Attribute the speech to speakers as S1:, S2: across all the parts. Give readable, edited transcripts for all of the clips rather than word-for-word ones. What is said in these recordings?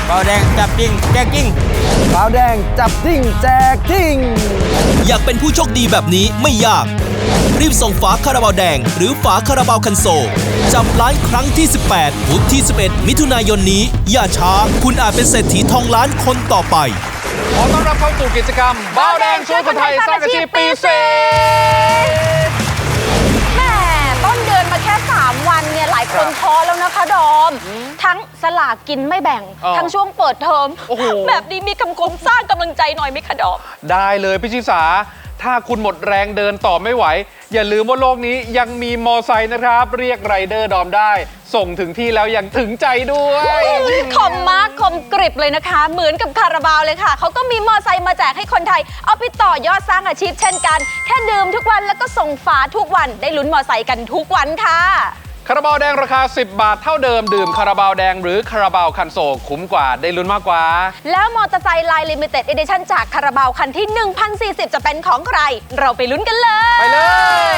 S1: บาวแดงจับจริงแจกจริง
S2: ขาวแดงจับทิ้งแจกทิ้ง
S3: อยากเป็นผู้โชคดีแบบนี้ไม่ยากรีบส่งฝาคาราบาวแดงหรือฝาคาราบาวคันโซลจับล้านครั้งที่ 18 พุธที่ 11 มิถุนายนนี้อย่าช้าคุณอาจเป็นเศรษฐีทองล้านคนต่อไป
S4: ขอต้อนรับเข้าสู่กิจกรรมบาวแดงช่วยคนไทยสร้างอาชีพปีเศษ
S5: แม่ต้นเดือนมาแค่3 วันเนี่ยหลายคนท้อแล้วนะคะดอมทั้งสลากกินไม่แบ่งทั้งช่วงเปิดเทอมแบบนี้มีคำคมสร้างกำลังใจหน่อยไหมคะดอม
S4: ได้เลยพี่ชิสาถ้าคุณหมดแรงเดินต่อไม่ไหวอย่าลืมว่าโลกนี้ยังมีมอไซค์นะครับเรียกไรเดอร์ดอมได้ส่งถึงที่แล้วยังถึงใจด้วย
S5: คมมากคมกริบเลยนะคะเหมือนกับคาราบาวเลยค่ะเขาก็มีมอไซค์มาแจกให้คนไทยเอาไปต่อยอดสร้างอาชีพเช่นกันแค่ดื่มทุกวันแล้วก็ส่งฝาทุกวันได้ลุ้นมอไซค์กันทุกวันค่ะ
S4: คาราบาวแดงราคา10 บาทเท่าเดิมดื่มคาราบาวแดงหรือคาราบาวคันโซลคุ้มกว่าได้ลุ้นมากกว่า
S5: แล้วมอเตอร์ไซค์ไลน์ลิมิเต็ดเอดิชั่นจากคาราบาวคันที่ 1040 จะเป็นของใครเราไปลุ้นกันเลย
S4: ไปเลย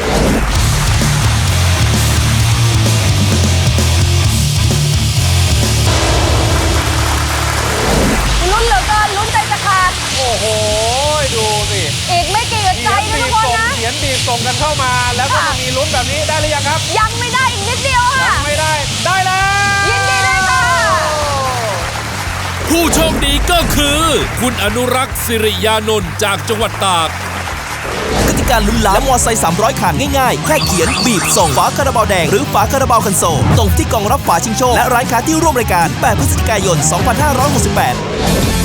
S5: ลุ้นเหลือเกินลุ้นใจจะขาด
S4: โอ้โหดูสิ
S5: อีกไม่กี่อึดใจนะทุกคนนะ
S4: เขียนบีบส่งกันเข้ามาแล้วก็มีลุ้นแบบนี้ได้หรือยังครับ
S5: ยังไม่ได้อีกนิดเดียวค่ะ
S4: ยังไม่ได้ได้แล้ว
S5: ยินดีด้วยค่ะ
S3: ผู้โชคดีก็คือคุณอนุรักษ์สิริยานนท์จากจังหวัดตากกติกาลุ้นล้านและมอไซค์300 คันง่ายๆแค่เขียนบีบส่งฝาคาราบาวแดงหรือฝาคาราบาวคันโซลตรงที่กล่องรับฝาชิงโชคและร้านค้าที่ร่วมรายการ8 พฤศจิกายน 2568